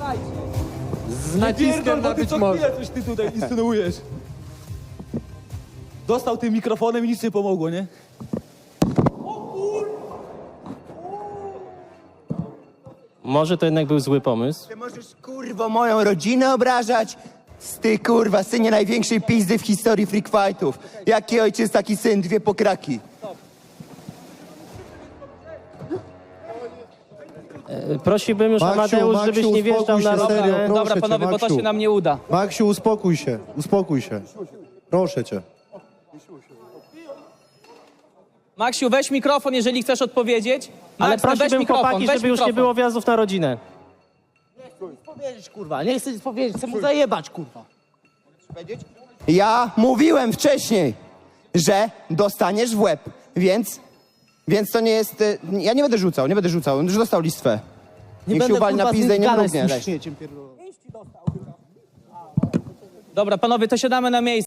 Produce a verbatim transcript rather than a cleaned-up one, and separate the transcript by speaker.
Speaker 1: Z naciskiem na być może.
Speaker 2: coś ty tutaj insynuujesz. Dostał tym mikrofonem i nic nie pomogło, nie?
Speaker 3: Może to jednak był zły pomysł.
Speaker 4: Ty możesz, kurwo, moją rodzinę obrażać? Ty, kurwa, synie największej pizdy w historii freak fightów. Jaki ojciec, taki syn, dwie pokraki.
Speaker 3: E, Prosiłbym już,
Speaker 5: Maksiu,
Speaker 3: Amadeusz,
Speaker 5: Maksiu,
Speaker 3: żebyś nie wjeżdżał
Speaker 5: uspokój
Speaker 3: na
Speaker 5: się,
Speaker 3: rodzinę.
Speaker 5: serio, proszę
Speaker 6: Dobra,
Speaker 5: cię,
Speaker 6: panowie, bo to
Speaker 5: Maksiu.
Speaker 6: się nam nie uda.
Speaker 5: Maksiu, uspokój się, uspokój się. Proszę cię.
Speaker 6: Maksiu, weź mikrofon, jeżeli chcesz odpowiedzieć.
Speaker 3: Ale
Speaker 6: Max, no weź
Speaker 3: prosiłbym
Speaker 6: mikrofon,
Speaker 3: chłopaki,
Speaker 6: weź
Speaker 3: żeby już nie
Speaker 6: mikrofon.
Speaker 3: było wjazdów na rodzinę.
Speaker 7: powiedzieć, kurwa, nie chcę nic powiedzieć, chcę mu zajebać, kurwa.
Speaker 4: Ja mówiłem wcześniej, że dostaniesz w łeb, więc... Więc to nie jest... y, Ja nie będę rzucał, nie będę rzucał. On już dostał listwę.
Speaker 7: Nie
Speaker 4: Niech się
Speaker 7: będę,
Speaker 4: uwali na
Speaker 7: kurwa,
Speaker 4: pizdę i nie
Speaker 7: gadać z
Speaker 4: mrugnie.
Speaker 7: tym
Speaker 4: Leś.
Speaker 7: śmieciem pierdolonym.
Speaker 6: Dobra, panowie, to siadamy na miejsce.